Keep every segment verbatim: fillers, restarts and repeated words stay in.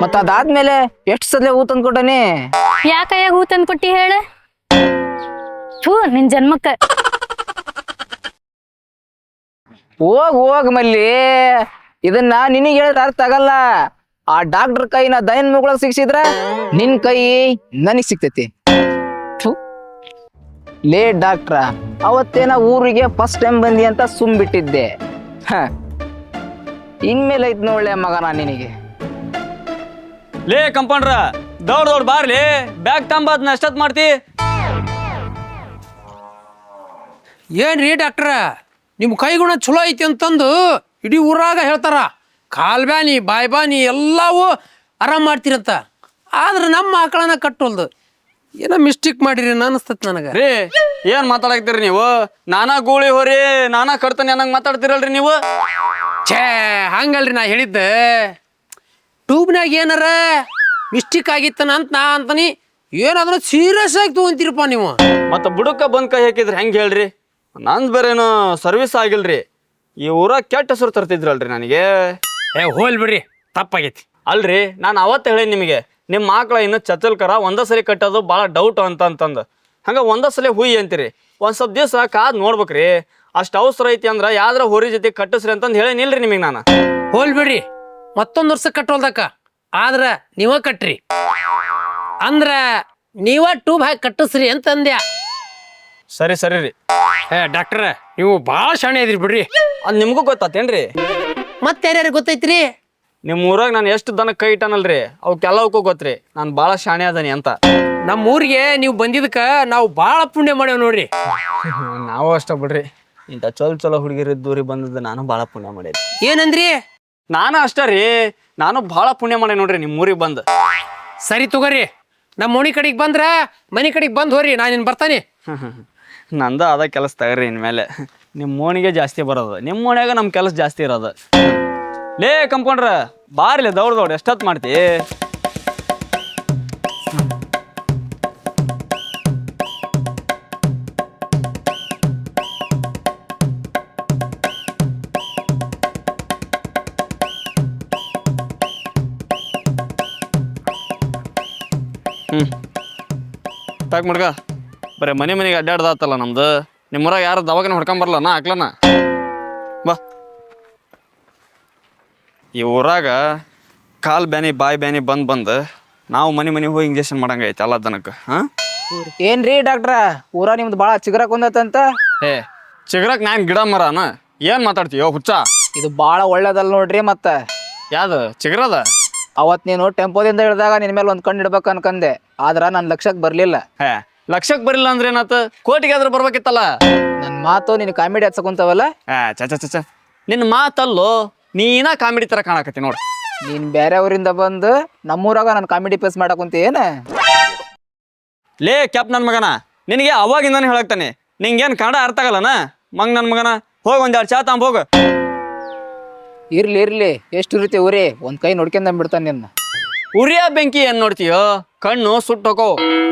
ಮತ್ತ ಅದಾದ್ಮೇಲೆ ಎಷ್ಟು ಸಲ ಹೂ ತಂದ್ಕೊಟ್ಟನಿ. ಯಾ ಕೈಯಾಗ ಹೂ ತಂದ್ ಕೊಟ್ಟಿ ಹೇಳ. ಥೂ ನಿನ್ ಜನ್ಮಕ್ಕ. ಹೋಗ್ ಹೋಗ್ ಮಲ್ಲಿ, ಇದನ್ನ ನಿನಗೆ ಹೇಳಿದ್ರೆ ಅರ್ಥ ಆಗಲ್ಲ. ಆ ಡಾಕ್ಟರ್ ಕೈನ ದಯನ್ ಮುಗಳಗ್ ಸಿಕ್ಸಿದ್ರ ನಿನ್ ಕೈ ನನಗ್ ಸಿಕ್ತೈತಿ. ಲೇ ಡಾಕ್ಟ್ರ, ಅವತ್ತೇನ ಊರಿಗೆ ಫಸ್ಟ್ ಟೈಮ್ ಬಂದಿ ಅಂತ ಸುಮ್ ಬಿಟ್ಟಿದ್ದೆ. ಹ ಇನ್ಮೇಲೆ ಐತ್ ನೋಡ್ಲೆ ಮಗನ ನಿನಗೆ. ಲೇ ಕಂಪೌಂಡ್ರ, ದೌಡ್ ದೌಡ್ ಬಾರ್ಲಿ, ಬ್ಯಾಗ್ ತಂಬ ಅದನ್ನ ಎಷ್ಟೊತ್ ಮಾಡ್ತಿ. ಏನ್ರಿ ಡಾಕ್ಟ್ರ, ನಿಮ್ಮ ಕೈಗುಣ ಚಲೋ ಐತಿ ಅಂತಂದು ಇಡೀ ಊರಾಗ ಹೇಳ್ತಾರ. ಕಾಲ್ ಬ್ಯಾನಿ ಬಾಯ್ ಬಾನಿ ಎಲ್ಲವೂ ಆರಾಮ್ ಮಾಡ್ತೀರಂತ. ಆದ್ರೆ ನಮ್ಮ ಆಕಳನ ಕಟ್ಟೋಲ್ದು. ಏನೋ ಮಿಸ್ಟೇಕ್ ಮಾಡಿರಿ ಅನಿಸ್ತತ್ ನನಗೆ. ರೀ ಏನ್ ಮಾತಾಡಕ್ತೀರಿ ನೀವು? ನಾನಾ ಗೂಳಿ ಹೋರಿ ನಾನಾ ಕಟ್ತಾನೆ ಅನ್ನಂಗ್ ಮಾತಾಡ್ತಿರಲ್ರಿ ನೀವು. ಛೇ ಹಂಗಲ್ರಿ ನಾ ಹೇಳಿದ್ದೆ. ಟ್ಯೂಬ್ನಾಗ ಏನಾರ ಮಿಸ್ಟೇಕ್ ಆಗಿತ್ತನ ಅಂತ ನಾ ಅಂತಾನಿ. ಏನಾದ್ರೂ ಸೀರಿಯಸ್ ಆಗಿ ತಗೊಂತೀರಪ್ಪ ನೀವು. ಮತ್ತ ಬುಡಕ್ಕ ಬಂದ್ ಕೈ ಹಾಕಿದ್ರಿ ಹೆಂಗ್ ಹೇಳ್ರಿ? ನಂದ್ ಬೇರೇನು ಸರ್ವಿಸ್ ಆಗಿಲ್ರಿ. ಈ ಊರಾಗ ಕೆಟ್ಟ ಹೆಸರು ತರ್ತಿದ್ರಲ್ರಿ ನನಗೆ. ಏ ಹೋಲ್ ಬಿಡ್ರಿ, ತಪ್ಪಾಗೈತಿ. ಅಲ್ರಿ ನಾನು ಅವತ್ತು ಹೇಳಿ ನಿಮಗೆ, ನಿಮ್ಮ ಆಕಳ ಇನ್ನು ಚಚ್ಚಲ್ಕರ ಒಂದ ಸರಿ ಕಟ್ಟೋದು ಭಾಳ ಡೌಟ್ ಅಂತ ಅಂತಂದು ಹಂಗೆ ಒಂದ ಸಲ ಹುಯ್ ಅಂತೀರಿ. ಒಂದು ಸ್ವಲ್ಪ ದಿವಸ ಕಾದ್ ನೋಡ್ಬೇಕ್ರಿ. ಅಷ್ಟು ಅವಸರ ಐತಿ ಅಂದ್ರೆ ಯಾವ್ದ್ರ ಹೊರಿ ಜೊತೆ ಕಟ್ಟಿಸ್ರಿ ಅಂತಂದು ಹೇಳೇನಿಲ್ರಿ ನಿಮಗೆ ನಾನು. ಹೋಲ್ ಬಿಡ್ರಿ, ಮತ್ತೊಂದು ವರ್ಷ ಕಟ್ಟೋಲ್ದಕ್ಕ. ಆದ್ರ ನೀವ ಕಟ್ರಿ ಅಂದ್ರ ನೀವ ಟ್ಯೂಬ್ ಹಾಕಿ ಕಟ್ಟಿಸ್ರಿ ಅಂತ ಅಂದ್ಯಾ. ಸರಿ ಸರಿ ರೀ. ಏ ಡಾಕ್ಟ್ರ, ನೀವು ಭಾಳ ಶಾಣೆ ಇದ್ರಿ ಬಿಡ್ರಿ. ಅದು ನಿಮಗೂ ಗೊತ್ತಾತೇನ್ರಿ? ಮತ್ತೆ ಯಾರ್ಯಾರು ಗೊತ್ತೈತ್ರಿ? ನಿಮ್ಮ ಊರಾಗ ನಾನು ಎಷ್ಟು ದನ ಕೈ ಇಟ್ಟನಲ್ರಿ ಅವಕ್ಕೆಲ್ಲವಕ್ಕೂ ಗೊತ್ತ್ರಿ ನಾನು ಭಾಳ ಶಾಣೆ ಅದನಿ ಅಂತ. ನಮ್ಮ ಊರಿಗೆ ನೀವು ಬಂದಿದ್ದಕ್ಕ ನಾವು ಭಾಳ ಪುಣ್ಯ ಮಾಡೇವ್ ನೋಡ್ರಿ. ನಾವು ಅಷ್ಟ ಬಿಡ್ರಿ, ಇಂಥ ಚಲೋ ಚಲೋ ಹುಡುಗಿರಿದ್ದೂರಿ ಬಂದದ್ದು ನಾನು ಭಾಳ ಪುಣ್ಯ ಮಾಡೇನಿ. ಏನಂದ್ರಿ? ನಾನು ಅಷ್ಟ ರೀ, ನಾನು ಭಾಳ ಪುಣ್ಯ ಮಾಡೇ ನೋಡ್ರಿ ನಿಮ್ಮ ಊರಿಗೆ ಬಂದು. ಸರಿ ತಗೋರಿ, ನಮ್ಮ ಮನೆ ಕಡೆಗೆ ಬಂದ್ರ ಮನೆ ಕಡೆಗೆ ಬಂದು ಹೋರಿ, ನಾನು ಇನ್ನು ಬರ್ತಾನೆ. ನಂದ ಅದ ಕೆಲಸ ತಗರಿ ಇನ್ಮೇಲೆ. ನಿಮ್ಮ ಮೋಣಿಗೆ ಜಾಸ್ತಿ ಬರೋದು, ನಿಮ್ಮ ಮೋಣ್ಯಾಗ ನಮ್ಮ ಕೆಲಸ ಜಾಸ್ತಿ ಇರೋದು. ಲೇ ಕಂಪೌಂಡ್ರ, ಬಾರ್ಲಿ ದೌಡ್ ದೌಡ್ ಎಷ್ಟೊತ್ತು ಮಾಡ್ತಿ? ಹ್ಞೂ ತಾಕ್ ಮಡ್ಗ, ಬರೀ ಮನೆ ಮನೆಗೆ ಅಡ್ಡಾಡ್ದಾತಲ್ಲ ನಮ್ದು. ನಿಮ್ಮೂರಾಗ ಯಾರು ದವಾಖಾನೆ ಹೊಡ್ಕೊಂಬರಲ್ಲ ನಾ ಹಾಕ್ಲನ ಬಾ. ಈ ಊರಾಗ ಕಾಲು ಬ್ಯಾನಿ ಬಾಯಿ ಬ್ಯಾನಿ ಬಂದು ಬಂದು ನಾವು ಮನೆ ಮನೆಗೆ ಹೋಗಿ ಇಂಜೆಕ್ಷನ್ ಮಾಡಂಗೈತೆ ಎಲ್ಲ ದನಕ್ಕೆ. ಹಾಂ ಏನ್ರಿ ಡಾಕ್ಟ್ರ, ಊರ ನಿಮ್ದು ಭಾಳ ಚಿಗರಕ್ ಒಂದತ್ತಂತ. ಏ ಚಿಗರಕ್ ನಾನು ಗಿಡ ಮರನ ಏನು ಮಾತಾಡ್ತೀಯೋ ಹುಚ್ಚ? ಇದು ಭಾಳ ಒಳ್ಳೇದಲ್ಲ ನೋಡ್ರಿ. ಮತ್ತ ಯಾವ್ದು ಚಿಗರದ? ಅವತ್ ನೀನು ಟೆಂಪೋದಿಂದ ಇಳಿದಾಗ ನಿನ್ ಮೇಲೆ ಒಂದ್ ಕಣ್ಣು ಇಡ್ಬೇಕು ಅನ್ಕಂದೆ, ಆದ್ರ ನನ್ ಲಕ್ಷಕ್ ಬರ್ಲಿಲ್ಲ. ಹೇ ಲಕ್ಷಕ್ಕೆ ಬರಿಲ್ಲ ಅಂದ್ರೆ ಏನಾತ? ಕೋಟಿಗೆ ಆದ್ರೂ ಬರ್ಬೇಕಿತ್ತಲ್ಲ. ನನ್ ಮಾತು ನೀನು ಕಾಮಿಡಿ ಹಚ್ಚಕೊಂತವಲ್ಲ. ಏ ಚಚ ಚಚ ನಿನ್ನ ಮಾತಲ್ಲೋ, ನೀನ ಕಾಮಿಡಿ ಥರ ಕಾಣಕತ್ತಿ ನೋಡು. ನೀನ್ ಬೇರೆ ಊರಿಂದ ಬಂದು ನಮ್ಮೂರಾಗ ನಾನು ಕಾಮಿಡಿ ಪೇಸ್ ಮಾಡಕುಂತ ಏನ? ಲೇ ಕ್ಯಾಪ್ ನನ್ನ ಮಗನ, ನಿನಗೆ ಅವಾಗಿಂದಾನೆ ಹೇಳಕ್ತಾನೆ, ನಿಂಗೇನು ಕನ್ನಡ ಅರ್ಥ ಆಗಲ್ಲನ ಮಂಗ್ ನನ್ನ ಮಗನ. ಹೋಗಿ ಒಂದ್ ಎರಡು ಚಾ ತಾಂಬ ಹೋಗ. ಇರ್ಲಿ ಇರ್ಲಿ, ಎಷ್ಟು ರೀತಿ ಊರಿ ಒಂದ್ ಕೈ ನೋಡ್ಕೊಂಡ್ ಬಿಡ್ತಾನೆ ನಿನ್ನ. ಉರಿಯ ಬೆಂಕಿ ಏನ್ ನೋಡ್ತೀಯೋ, ಕಣ್ಣು ಸುಟ್ಟು ಹೋಗೋ.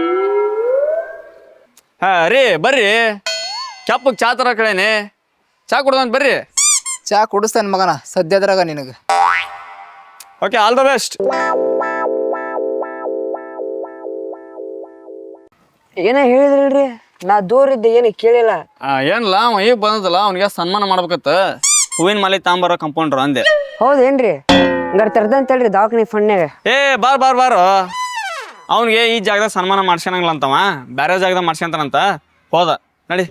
ಹಾ ರೀ ಬರ್ರಿ, ಕ್ಯಾಪಗ್ ಚಾ ತರ ಕಡೆನೆ ಚಾ ಕುಡ್ದಂತ ಬರ್ರಿ. ಚಾ ಕುಡಿಸ್ತಾನ ಮಗನ ಸದ್ಯದ್ರಾಗ ನಿನಗ. Okay, all the best. ಏನ ಹೇಳಿದ್ರಿ? ನಾ ದೂರ ಇದ್ದೆ, ಏನು ಕೇಳಿಲ್ಲ. ಏನಿಲ್ಲ, ಅವ ಈಗ ಬಂದದಲ್ಲ, ಅವನಿಗೆ ಸನ್ಮಾನ ಮಾಡ್ಬೇಕತ್ತ. ಹೂವಿನ ಮಾಲೆ ತಾಂಬಾರ ಕಂಪೌಂಡ್ರ ಅಂದೆ. ಹೌದೇನ್ರಿ? ಹಂಗಾರೆ ತರ್ದಂತ ಹೇಳ್ರಿ ದವಾಖಾನೆ ಫಂಡ್ನಾಗ. ಏ ಬಾರ್ ಬಾರ್ ಬಾರು, ಅವನಿಗೆ ಈ ಜಾಗದಾಗ ಸನ್ಮಾನ ಮಾಡ್ಸ್ಕೊಳಂಗಿಲ್ಲ ಅಂತವ, ಬೇರೆ ಜಾಗದಾಗ ಮಾಡ್ಸ್ಕೊಂತಾನಂತ. ಹೋದ ನಡಿ.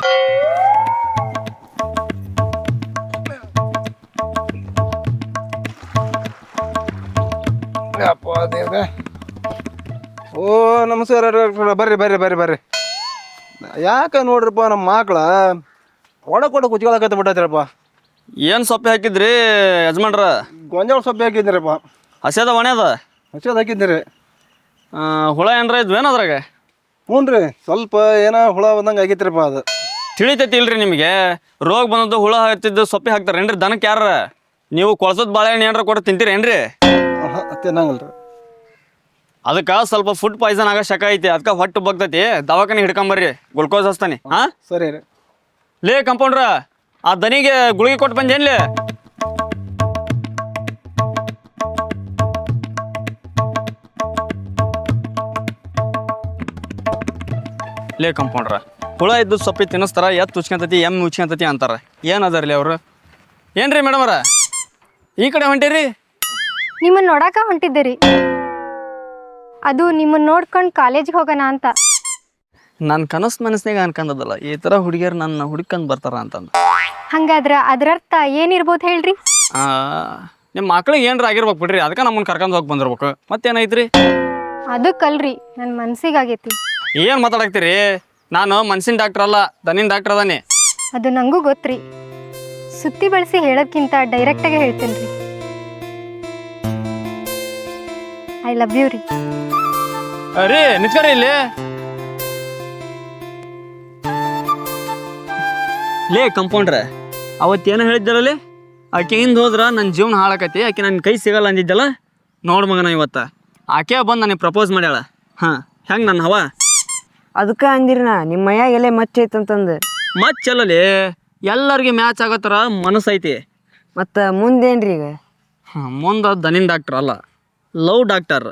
ಓ ನಮಸ್ಕಾರ ಬರ್ರಿ ಬರ್ರಿ ಬರ್ರಿ ಬರ್ರಿ. ಯಾಕೆ ನೋಡ್ರಿಪ್ಪ ನಮ್ಮ ಮಕ್ಳ ಒಡ ಕೊಡ ಕುಚ್ಕೊಳಕತ್ತ ಬಿಟ್ಟೈತ್ರಪ್ಪ. ಏನು ಸೊಪ್ಪೆ ಹಾಕಿದ್ರಿ ಯಜಮಾನ್ರ? ಗೊಂಜಾಳ ಸೊಪ್ಪೆ ಹಾಕಿದ್ರಪ್ಪ. ಹಸೆದ ಒಣೆದ? ಹಸೆದ ಹಾಕಿದ್ರಿ. ಹುಳ ಏನ್ರ ಇದ್ವು ಏನು ಅದ್ರಾಗ? ಹ್ಞೂ ರೀ, ಸ್ವಲ್ಪ ಏನೋ ಹುಳ ಬಂದಂಗೆ ಆಗೈತ್ರಪ್ಪ. ಅದು ತಿಳಿತೈತಿ ಇಲ್ರಿ ನಿಮಗೆ? ರೋಗ ಬಂದದ್ದು ಹುಳ ಹಾಕ್ತಿದ್ದು ಸೊಪ್ಪೆ ಹಾಕ್ತಾರೇನ್ರಿ ದನಕ್ಕೆ? ಯಾರ ನೀವು ಕೊಳಸದ ಬಾಳೆಹಣ್ಣು ಏನಾರ ಕೊಟ್ಟು ತಿಂತೀರೇನ್ರಿ? ತಿನ್ನಂಗಿಲ್ಲ ರೀ. ಅದಕ್ಕೆ ಸ್ವಲ್ಪ ಫುಡ್ ಪಾಯ್ಸನ್ ಆಗೋ ಶಕ ಐತಿ, ಅದಕ್ಕೆ ಹೊಟ್ಟು ಬಗ್ತೈತಿ. ದವಾಖಾನೆ ಹಿಡ್ಕೊಂಬರ್ರಿ, ಗ್ಲುಕೋಸ್ ಹಚ್ತಾನೆ. ಹಾಂ ಸರಿ ರೀ. ಲೇ ಕಂಪೌಂಡ್ರ, ಆ ದನಿಗೆ ಗುಳಿಗೆ ಕೊಟ್ಟು ಬಂದೇನ್ಲಿ? ಲೇ ಕಂಪೌಂಡ್ರ ಹುಳ ಇದ್ದು ಸೊಪ್ಪಿ ತಿನ್ನಿಸ್ತಾರ ಎತ್ತು ಉಚ್ಕೊಂತತಿ ಎಮ್ಮೆ ಉಚ್ಕೊಂತತಿ ಅಂತಾರೆ ಏನು ಅದಾರ್ಲಿ ಅವರು ಏನ್ರಿ ಮೇಡಮರ ಈ ಕಡೆ ಹೊಂಟೀರಿ ನಿಮ್ಮನ್ನ ನೋಡಾಕ ಹೊಂಟಿದ್ದೀರಿ ಅದು ನಿಮ್ಮನ್ನ ನೋಡ್ಕೊಂಡು ಕಾಲೇಜಿಗೆ ಹೋಗೋಣ ಅಂತ. ನನ್ನ ಕನಸು ಮನಸ್ಸಿನಾಗ ಅನ್ಕೊಂಡದಲ್ಲ ಈ ಥರ ಹುಡುಗಿಯರು ನನ್ನ ಹುಡುಕಂದು ಬರ್ತಾರ ಅಂತಂದು. ಹಂಗಾದ್ರ ಅದರರ್ಥ ಏನಿರ್ಬೋದು ಹೇಳ್ರಿ? ನಿಮ್ಮ ಮಕ್ಳಿಗೆ ಏನ್ರ ಆಗಿರ್ಬೇಕು ಬಿಡ್ರಿ, ಅದಕ್ಕೆ ನಮ್ಮನ್ನ ಕರ್ಕೊಂಡು ಹೋಗಿ ಬಂದಿರ್ಬೇಕು. ಮತ್ತೇನೈತ್ರಿ? ಅದಕ್ಕಲ್ರಿ ನನ್ನ ಮನ್ಸಿಗಾಗೈತಿ. ಏನು ಮಾತಾಡಕ್ತೀರಿ? ನಾನು ಮನ್ಸಿನ ಡಾಕ್ಟರ್ ಅಲ್ಲ, ದನಿನ ಡಾಕ್ಟರ್ ಅದಾನೆ. ಅದು ನಂಗೂ ಗೊತ್ತ್ರಿ. ಸುತ್ತಿ ಬಳಸಿ ಹೇಳೋದ್ಕಿಂತ ಡೈರೆಕ್ಟಾಗೆ ಹೇಳ್ತೇನೆ ರೀ. ಐ ಲವ್ ಯು ರೀ. ರೀ ನಿತ್ಕರಿ ಇಲ್ಲಿ. ಲೇ ಕಂಪೌಂಡ್ರೆ, ಅವತ್ತೇನು ಹೇಳಿದ್ದರಲ್ಲಿ ಆಕೆ ಹಿಂದೆ ಹೋದ್ರೆ ನನ್ನ ಜೀವನ ಹಾಳಾಕತಿ, ಆಕೆ ನನ್ನ ಕೈ ಸಿಗಲ್ಲ ಅಂದಿದ್ದಲ್ಲ. ನೋಡು ಮಗನ ಇವತ್ತು ಆಕೆ ಬಂದು ನನಗೆ ಪ್ರಪೋಸ್ ಮಾಡ್ಯಾಳ. ಹಾಂ, ಹೆಂಗೆ ನನ್ನ ಹವ? ಅದಕ್ಕೆ ಅಂದಿರಿ ನಾ ನಿಮ್ಮ ಮೈಯಾಗ ಎಲೆ ಮಚ್ಚೈತಂತಂದು. ಮಚ್ಚಲ್ಲಲಿ ಎಲ್ಲರಿಗೆ ಮ್ಯಾಚ್ ಆಗೋ ಥರ ಮನಸ್ಸೈತಿ. ಮತ್ತು ಮುಂದೇನ್ರಿ ಈಗ? ಹಾಂ, ಮುಂದೆ ದನಿನ್ ಡಾಕ್ಟರ್ ಅಲ್ಲ, ಲವ್ ಡಾಕ್ಟರ್.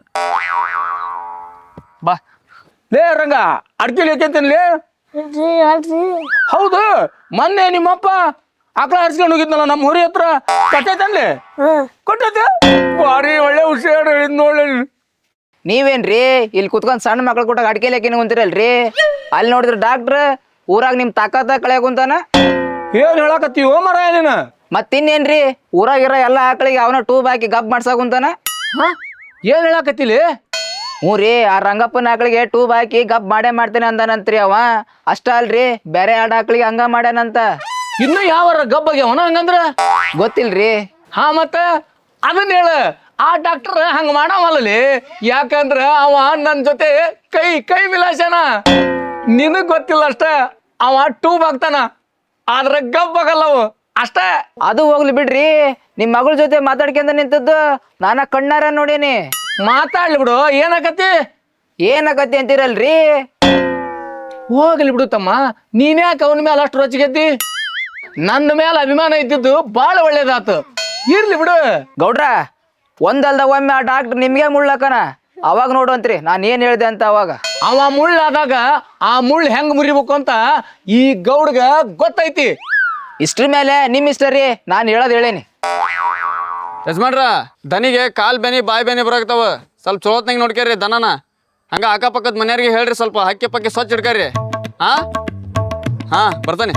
ಬಾ ಲೇ ರಂಗ ಅಡ್ಕಿಲಿ ಯಾಕೆಂತೇನ್ಲೇ? ಹೌದು, ಮೊನ್ನೆ ನಿಮ್ಮಪ್ಪ ಆಕಳ ಹರ್ಸ್ಕೊಂಡು ಹೋಗಿದ್ನಲ್ಲ ನಮ್ಮ ಹುರಿ ಹತ್ರ, ಕಟ್ಟೈತನ್ಲಿ? ಕೊಟ್ಟೈತೆ. ಭಾರಿ ಒಳ್ಳೆ ಹುಷಾರು ಹೇಳಿದ್ ನೋಡ್ಲಿ. ನೀವೇನ್ರಿ ಇಲ್ಲಿ ಕುತ್ಕೊಂಡ್ ಸಣ್ಣ ಮಕ್ಳು ಕೊಟ್ಟಾಗ ಅಡ್ಕೆಲಿ ಹಾಕಿನ ಕುಂತಿರಲ್ರಿ? ಅಲ್ಲಿ ನೋಡಿದ್ರ ಡಾಕ್ಟ್ರ್ ಊರಾಗ ನಿಮ್ ತಾಕತ್ತ ಕಳೆಯ ಕುಂತಾನ. ಏನ್ ಹೇಳಕತ್ತೀವೋ ಮರ ನೀನ? ಮತ್ತಿನ್ನೇನ್ರಿ ಊರಾಗಿರೋ ಎಲ್ಲ ಆಕಳಿಗೆ ಅವನ ಟೂಬ್ ಹಾಕಿ ಗಬ್ ಮಾಡ್ಸಾ ಕುಂತಾನ. ಏನ್ ಹೇಳಕತ್ತಿಲಿ? ಹ್ಞೂ ರೀ, ಆ ರಂಗಪ್ಪನ ಆಕಳಿಗೆ ಟೂಬ್ ಹಾಕಿ ಗಬ್ ಮಾಡೇ ಮಾಡ್ತೇನೆ ಅಂದಾನಂತ್ರಿ ಅವ. ಅಷ್ಟ ಅಲ್ರಿ, ಬೇರೆ ಎರಡು ಆಕಳಿಗೆ ಹಂಗ ಮಾಡ್ಯಾನಂತ. ಇನ್ನು ಯಾವಾರ ಗಬ್ಬಗೆ ಅವನ ಹಂಗಂದ್ರ ಗೊತ್ತಿಲ್ರಿ. ಹಾ, ಮತ್ತ ಅದನ್ನ ಹೇಳ. ಆ ಡಾಕ್ಟರ್ ಹಂಗ ಮಾಡವಲ್ಲಲಿ, ಯಾಕಂದ್ರ ಅವ ನನ್ನ ಜೊತೆ ಕೈ ಕೈ ವಿಲಾಸನ. ನಿನಗ್ ಗೊತ್ತಿಲ್ಲ ಅಷ್ಟ, ಅವ ಟೂಬ್ ಹಾಕ್ತಾನ, ಆದ್ರ ಗಬ್ ಆಗಲ್ಲವು ಅಷ್ಟೇ. ಅದು ಹೋಗ್ಲಿ ಬಿಡ್ರಿ, ನಿಮ್ ಮಗಳ ಜೊತೆ ಮಾತಾಡ್ಕೊಂಡ ನಿಂತದ್ದು ನಾನ ಕಣ್ಣಾರ ನೋಡೀನಿ. ಮಾತಾಡ್ಲಿ ಬಿಡು, ಏನಾಕತಿ? ಏನಕತಿ ಅಂತೀರಲ್ರಿ? ಹೋಗ್ಲಿ ಬಿಡು ತಮ್ಮ, ನೀನ್ಯಾಕೆ ಅವನ ಮೇಲೆ ಅಷ್ಟು ರೊಚ್ಚಿಗೆದ್ದಿ? ನನ್ನ ಮೇಲೆ ಅಭಿಮಾನ ಇದ್ದಿದ್ದು ಬಾಳ ಒಳ್ಳೇದಾತು. ಇರ್ಲಿ ಬಿಡು ಗೌಡ್ರ, ಒಂದಲ್ದ ಒಮ್ಮೆ ಆ ಡಾಕ್ಟರ್ ನಿಮ್ಗೆ ಮುಳ್ಳಕನ, ಅವಾಗ ನೋಡುವಂತ್ರಿ ನಾನು ಏನ್ ಹೇಳ್ದೆ ಅಂತ. ಅವಾಗ ಅವ ಮುಳ್ಳಾದಾಗ ಆ ಮುಳ್ಳು ಹೆಂಗ್ ಮುರಿಬೇಕು ಅಂತ ಈ ಗೌಡ್ಗ ಗೊತ್ತೈತಿ. ಇಷ್ಟ್ರ ಮೇಲೆ ನಿಮ್ ಇಷ್ಟ ರೀ, ನಾನು ಹೇಳೋದ್ ಹೇಳೇನಿ. ಯಜಮಾನ್ರ, ದನಿಗೆ ಕಾಲ್ ಬೆನಿ ಬಾಯಿ ಬೆನಿ ಬರಾಕ್ತಾವ, ಸ್ವಲ್ಪ ಚಲೋತ್ನಾಗ ನೋಡ್ಕೇರಿ ದನನ. ಹಂಗ ಅಕ್ಕಪಕ್ಕದ ಮನೆಯವ್ರಿಗೆ ಹೇಳ್ರಿ, ಸ್ವಲ್ಪ ಹಕ್ಕಿ ಪಕ್ಕಿ ಸ್ವಚ್ಛ ಇಡ್ಕರಿ. ಹಾ ಹಾ ಬರ್ತಾನೆ.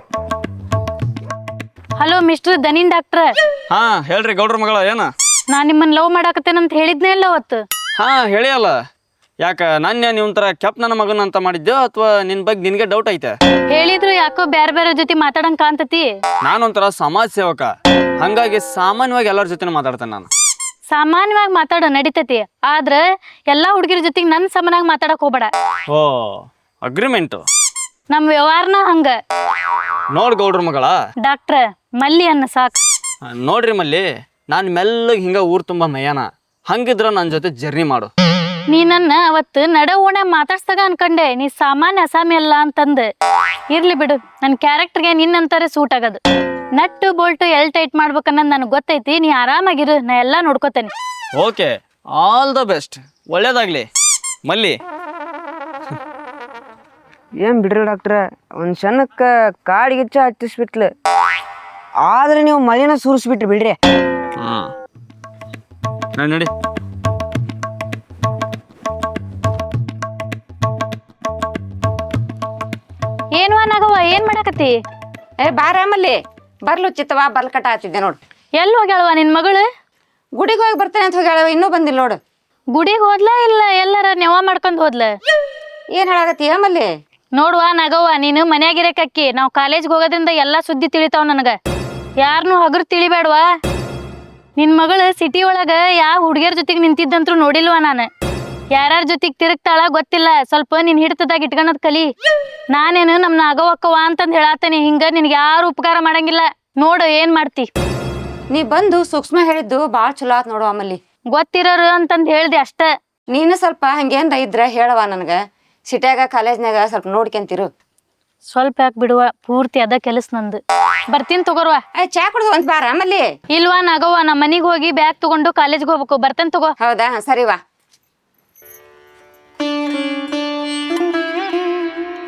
ಹಲೋ ಮಿಸ್ಟರ್ ದನಿನ್ ಡಾಕ್ಟ್ರ, ಹಾ ಹೇಳ್ರಿ ಗೌಡ್ರ ಮಗಳ, ಏನ? ನಾ ನಿಮ್ಮನ್ನ ಲವ್ ಮಾಡಾಕತ್ತೇನಂತ ಹೇಳಿದ್ನೇ ಇಲ್ಲ ಅವತ್ತು. ಹಾ ಹೇಳಿ ಅಲ್ಲ, ಯಾಕ ನನ್ನ ನೀವು ಒಂಥರ ಕೆಪ್ ನನ್ನ ಮಗನ ಅಂತ ಮಾಡಿದ್ದೆ, ಅಥವಾ ನಿನ್ ಬಗ್ಗೆ ನಿನ್ಗೆ ಡೌಟ್ ಐತೆ? ಹೇಳಿದ್ರು ಯಾಕೋ ಬ್ಯಾರೆ ಬೇರೆ ಜೊತೆ ಮಾತಾಡಂಗ್ ಕಾಣ್ತತಿ. ನಾನೊಂಥರ ಸಮಾಜ ಸೇವಕ, ಹಂಗಾಗಿ ಸಾಮಾನ್ಯವಾಗಿ ಎಲ್ಲರ ಜೊತೆ ಮಾತಾಡ್ತೇನೆ ನಾನು. ಸಾಮಾನ್ಯವಾಗಿ ಮಾತಾಡೋ ನಡಿತತಿ, ಆದ್ರ ಎಲ್ಲಾ ಹುಡುಗಿರ ಜೊತೆಗೆ ನನ್ ಸಮನಾಗಿ ಮಾತಾಡಕ್ ಹೋಗ್ಬೇಡ. ಓ, ಅಗ್ರಿಮೆಂಟು. ನಮ್ ವ್ಯವಹಾರನ ಹಂಗ. ನೋಡ್ ಗೌಡ್ರ ಮಗಳ ಡಾಕ್ಟ್ರ, ಮಲ್ಲಿ ಅನ್ನ ಸಾಕ್. ನೋಡ್ರಿ ಮಲ್ಲಿ, ನಾನು ಮೆಲ್ಲಗೆ ಹಿಂಗ ಊರ್ ತುಂಬಾ ಮೈಯಾನ, ಹಂಗಿದ್ರ ನನ್ನ ಜೊತೆ ಜರ್ನಿ ಮಾಡು. ನೀ ನನ್ನ ಅವತ್ತು ನಡ ಓಣ ಮಾತಾಡ್ಸ್ದಾಗ ಅನ್ಕಂಡೆ ನೀ ಸಾಮಾನ್ಯ ಅಸಾಮಿ ಅಲ್ಲ ಅಂತಂದ. ಇರ್ಲಿ ಬಿಡು, ನನ್ನ ಕ್ಯಾರೆಕ್ಟರ್ಗೆ ನಿನ್ನಂತಾರೆ ಸೂಟ್ ಆಗದು. ನಟ್ಟು ಬೋಲ್ಟು ಎಲ್ ಟೈಟ್ ಮಾಡ್ಬೇಕನ್ನೋದು ನನಗೆ ಗೊತ್ತೈತಿ. ನೀ ಆರಾಮಾಗಿರು, ನಾ ಎಲ್ಲ ನೋಡ್ಕೋತೇನೆ. ಓಕೆ, ಆಲ್ ದ ಬೆಸ್ಟ್, ಒಳ್ಳೇದಾಗ್ಲಿ ಮಲ್ಲಿ. ಏನ್ ಬಿಡ್ರಿ ಡಾಕ್ಟ್ರ, ಒಂದ್ ಕ್ಷಣಕ್ಕ ಕಾಡಿಗಿಚ್ಚ ಹತ್ತಿಸ್ಬಿಟ್ಲು, ಆದ್ರೆ ನೀವು ಮಲಿನ ಸುರಿಸ್ಬಿಟ್ರಿ ಬಿಡ್ರಿ. ಹಾ ನಡಿ. ಏನು ನಾಗವ್ವ, ಏನ್ ಮಾಡಾಕತ್ತಿ? ಏ ಬಾರಾಮಲ್ಲಿ ಬರ್ಲು ಚಿತ್ತವ ಬರ್ಲ್ ಕಟ್ಟ ಹತ್ತಿದ್ದೆ ನೋಡು. ಎಲ್ಲಿ ಹೋಗ್ಯಾಳವ ನಿನ್ ಮಗಳು? ಗುಡಿಗೆ ಹೋಗಿ ಬರ್ತೇನೆ ಅಂತ ಹೋಗ್ಯಾಳ, ಇನ್ನೂ ಬಂದಿಲ್ಲ ನೋಡು. ಗುಡಿಗೆ ಹೋದ್ಲ ಇಲ್ಲ ಎಲ್ಲಾರ ನೆವ ಮಾಡ್ಕೊಂಡ್ ಹೋದ್ಲ? ಏನ್ ಹೇಳಾಕತ್ತಿ ಮಲ್ಲಿ? ನೋಡುವ ನಾಗವ್ವ, ನೀನು ಮನ್ಯಾಗಿರಕಕ್ಕಿ, ನಾವು ಕಾಲೇಜ್ಗೆ ಹೋಗೋದ್ರಿಂದ ಎಲ್ಲಾ ಸುದ್ದಿ ತಿಳಿತಾವ ನನಗ. ಯಾರನ್ನು ಹಗರು ತಿಳಿಬೇಡ್ವಾ. ನಿನ್ ಮಗಳು ಸಿಟಿ ಒಳಗ ಯಾವ ಹುಡುಗಿಯರ ಜೊತೆಗೆ ನಿಂತಿದ್ದಂತ್ರು ನೋಡಿಲ್ವಾ ನಾನು. ಯಾರ್ಯಾರ ಜೊತೆಗೆ ತಿರುಗ್ತಾಳ ಗೊತ್ತಿಲ್ಲ, ಸ್ವಲ್ಪ ನಿನ್ ಹಿಡ್ತದಾಗ ಇಟ್ಕೊಳದ್ ಕಲಿ. ನಾನೇನು ನಮ್ ನಾಗವಕ್ಕವ ಅಂತಂದ್ ಹೇಳಾತೇನೆ, ಹಿಂಗ ನಿನ್ಗೆ ಯಾರು ಉಪಕಾರ ಮಾಡಂಗಿಲ್ಲ. ನೋಡು ಏನ್ ಮಾಡ್ತಿ. ನೀ ಬಂದು ಸೂಕ್ಷ್ಮ ಹೇಳಿದ್ದು ಬಾಳ್ ಚಲೋ ಆತ್ ನೋಡು ಅಮ್ಮಲ್ಲಿ. ಗೊತ್ತಿರೋರು ಅಂತಂದ್ ಹೇಳ್ದೆ ಅಷ್ಟ. ನೀನು ಸ್ವಲ್ಪ ಹಂಗೇನ್ರ ಇದ್ರ ಹೇಳವ ನನಗ. ಸಿಟ್ಯಾಗ ಕಾಲೇಜ್ನಾಗ ಸ್ವಲ್ಪ ನೋಡ್ಕೊಂತಿರು. ಸ್ವಲ್ಪ ಯಾಕೆ ಬಿಡುವ, ಪೂರ್ತಿ ಅದ ಕೆಲಸ ನಂದು. ಬರ್ತೀನಿ ತಗೋರ್ವ. ಚಾ ಕುಡ್ದು ಒಂದ್ ಬಾರ ಆಮಲ್ಲಿ. ಇಲ್ವಾ ನಾಗವ್ವ, ನಮ್ಮ ಮನಿಗ್ ಹೋಗಿ ಬ್ಯಾಗ್ ತಗೊಂಡು ಕಾಲೇಜ್ಗೆ ಹೋಗ್ಬೇಕು. ಬರ್ತೇನೆ ತಗೋ. ಹೌದಾ, ಸರಿವಾ.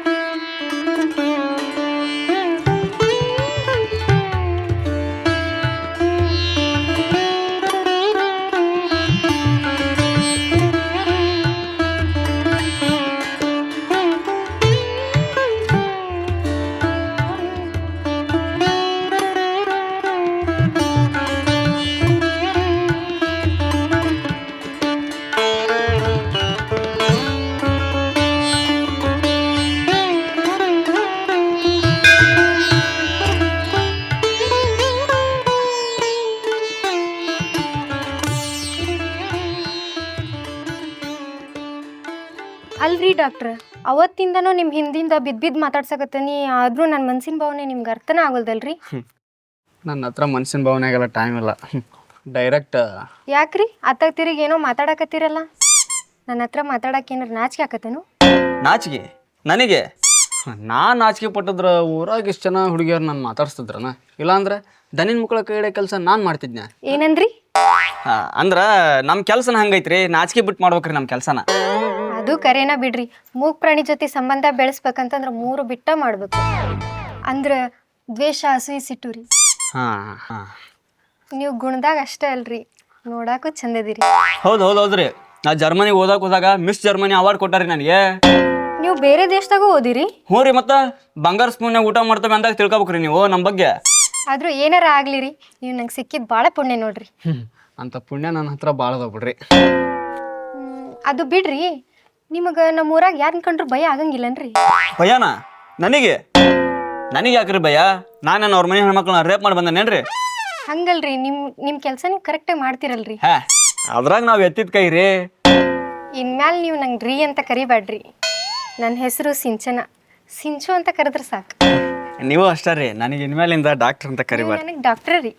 ಅಲ್ರಿ ಡಾಕ್ಟ್ರ ಅವತ್ತಿಂದನೂ ನಿಮ್ಮ ಹಿಂದಿಂದ ಬಿದ್ದು ಬಿದ್ದು ಮಾತಾಡ್ಸಕತ್ತೀನಿ ಆದರೂ ನನ್ನ ಮನ್ಸಿನ ಭಾವನೆ ನಿಮ್ಗೆ ಅರ್ಥನ ಆಗೋಲ್ದಲ್ರಿ. ನನ್ನ ಹತ್ರ ಮನ್ಸಿನ ಭಾವನೆಗೆಲ್ಲ ಟೈಮ್ ಇಲ್ಲ, ಡೈರೆಕ್ಟ್. ಯಾಕ್ರಿ ಅತ್ತಾಗ ತಿರುಗಿ ಏನೋ ಮಾತಾಡಕತ್ತೀರಲ್ಲ, ನನ್ನ ಹತ್ರ ಮಾತಾಡಕ್ಕೆ ಏನಾರು ನಾಚಿಕೆ ಆಕತ್ತೇನು? ನಾಚಿಕೆ ನನಗೆ? ನಾನು ನಾಚಿಕೆ ಪಟ್ಟಿದ್ರ ಊರಾಗ ಇಷ್ಟು ಜನ ಹುಡುಗಿಯರು ನಾನು ಮಾತಾಡ್ಸ್ತಿದ್ರನ? ಇಲ್ಲಾಂದ್ರೆ ದನಿನ ಮಕ್ಕಳ ಕೈ ಹಿಡಿಯೋ ಕೆಲಸ ನಾನು ಮಾಡ್ತಿದ್ನ. ಏನಂದ್ರಿ? ಹಾಂ, ಅಂದ್ರೆ ನಮ್ಮ ಕೆಲಸನ ಹಂಗೈತ್ರಿ, ನಾಚಿಕೆ ಬಿಟ್ಟು ಮಾಡ್ಬೇಕ್ರಿ ನಮ್ಮ ಕೆಲಸನ. ಅದು ಕರೇನ ಬಿಡ್ರಿ, ಮೂಗ್ ಪ್ರಾಣಿ ಜೊತೆ ಸಂಬಂಧ ಬೆಳೆಸ್ಬೇಕಂತಂದ್ರೆ ಮೂರು ಬಿಟ್ಟ ಮಾಡ್ಬೇಕು. ಅಂದ್ರೆ ದ್ವೇಷ, ಅಸೂಯಿ, ಸಿಟ್ಟು ರೀ. ಹಾಂ ಹಾಂ ನೀವು ಗುಣದಾಗ ಅಷ್ಟೇ ಅಲ್ರಿ, ನೋಡಾಕು ಚಂದದಿರಿ. ಹೌದು ಹೌದು ಹೌದ್ರಿ. ನಾ ಜರ್ಮನಿಗೆ ಓದಾಕ ಹೋದಾಗ ಮಿಸ್ ಜರ್ಮನಿ ಅವಾರ್ಡ್ ಕೊಟ್ಟಾರಿ ನನಗೆ. ನೀವು ಬೇರೆ ದೇಶದಾಗೂ ಓದಿರಿ? ಹ್ಞೂ ರೀ, ಮತ್ತೆ ಬಂಗಾರ ಸ್ಪೂನ್ಯಾಗ ಊಟ ಮಾಡ್ತೇವೆ ಅಂದಾಗ ತಿಳ್ಕೊಬೇಕ್ರಿ ನೀವು ನಮ್ಮ ಬಗ್ಗೆ. ಆದ್ರೂ ಏನಾರ ಆಗ್ಲಿ ರೀ, ನೀವು ನಂಗೆ ಸಿಕ್ಕಿದ್ ಭಾಳ ಪುಣ್ಯ ನೋಡ್ರಿ. ಅಂತ ಪುಣ್ಯ ನನ್ನ ಹತ್ರ ಭಾಳ ಅದಾವ ಬಿಡ್ರಿ. ಹ್ಮ್, ಅದು ಬಿಡ್ರಿ, ನಿಮಗೆ ನಮ್ಮ ಊರಾಗ ಯಾರನ್ನ ಕಂಡ್ರು ಭಯ ಆಗಂಗಿಲ್ಲನ್ರಿ? ಭಯನ ನನಗೆ? ನನಗೆ ಯಾಕ್ರಿ ಭಯ? ನಾನು ಅವ್ರ ಮನೆ ಹೆಣ್ಮಕ್ಳನ್ನ ರೇಪ್ ಮಾಡಿ ಬಂದೇನೇನ್ರಿ? ಹಂಗಲ್ರಿ, ನಿಮ್ಮ ನಿಮ್ಮ ಕೆಲಸ ನೀವು ಕರೆಕ್ಟಾಗಿ ಮಾಡ್ತಿರಲ್ರಿ. ಹೇ, ಅದ್ರಾಗ ನಾವು ಎತ್ತಿದ ಕೈ ರೀ. ಇನ್ಮ್ಯಾಲ ನೀವು ನಂಗೆ ರೀ ಅಂತ ಕರಿಬೇಡ್ರಿ. ನನ್ನ ಹೆಸರು ಸಿಂಚನ, ಸಿಂಚು ಅಂತ ಕರೆದ್ರೆ ಸಾಕು. ನೀವು ಅಷ್ಟೇ ರೀ, ನನಗೆ ಇನ್ಮೇಲಿಂದ ಡಾಕ್ಟರ್ ಅಂತ ಕರಿಬಾರ್ದು. ನನಗೆ ಡಾಕ್ಟ್ರ ರೀ.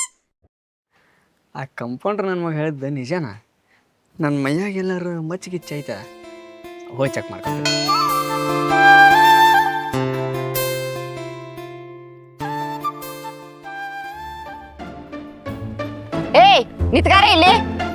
ಆ ಕಂಪೌಂಡ್ರ್ ನನ್ನ ಮಗ ಹೇಳಿದ್ದೆ ನಿಜನಾ? ನನ್ನ ಮೈಯಾಗ ಎಲ್ಲರೂ ಮಚ್ಚಿಗಿಚ್ಚೈತ, ಹೋಗಿ ಚೆಕ್ ಮಾಡ್ಕೊತೀನಿ. ಏಯ್ ನಿತ್ಗಾರ ಇಲ್ಲಿ.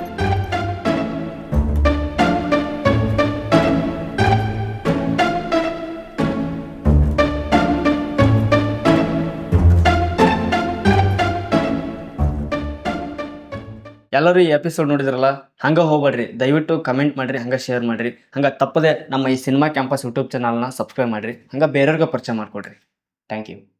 ಎಲ್ಲರೂ ಈ ಎಪಿಸೋಡ್ ನೋಡಿದ್ರಲ್ಲ, ಹಂಗೆ ಹೋಗ್ಬೇಡ್ರಿ, ದಯವಿಟ್ಟು ಕಮೆಂಟ್ ಮಾಡಿರಿ, ಹಂಗೆ ಶೇರ್ ಮಾಡಿರಿ, ಹಂಗೆ ತಪ್ಪದೆ ನಮ್ಮ ಈ ಸಿನಿಮಾ ಕ್ಯಾಂಪಸ್ ಯೂಟ್ಯೂಬ್ ಚಾನಲ್ನ ಸಬ್ಸ್ಕ್ರೈಬ್ ಮಾಡಿರಿ, ಹಂಗೆ ಬೇರೆಯವ್ರಿಗೆ ಪರಿಚಯ ಮಾಡಿಕೊಡ್ರಿ. Thank you.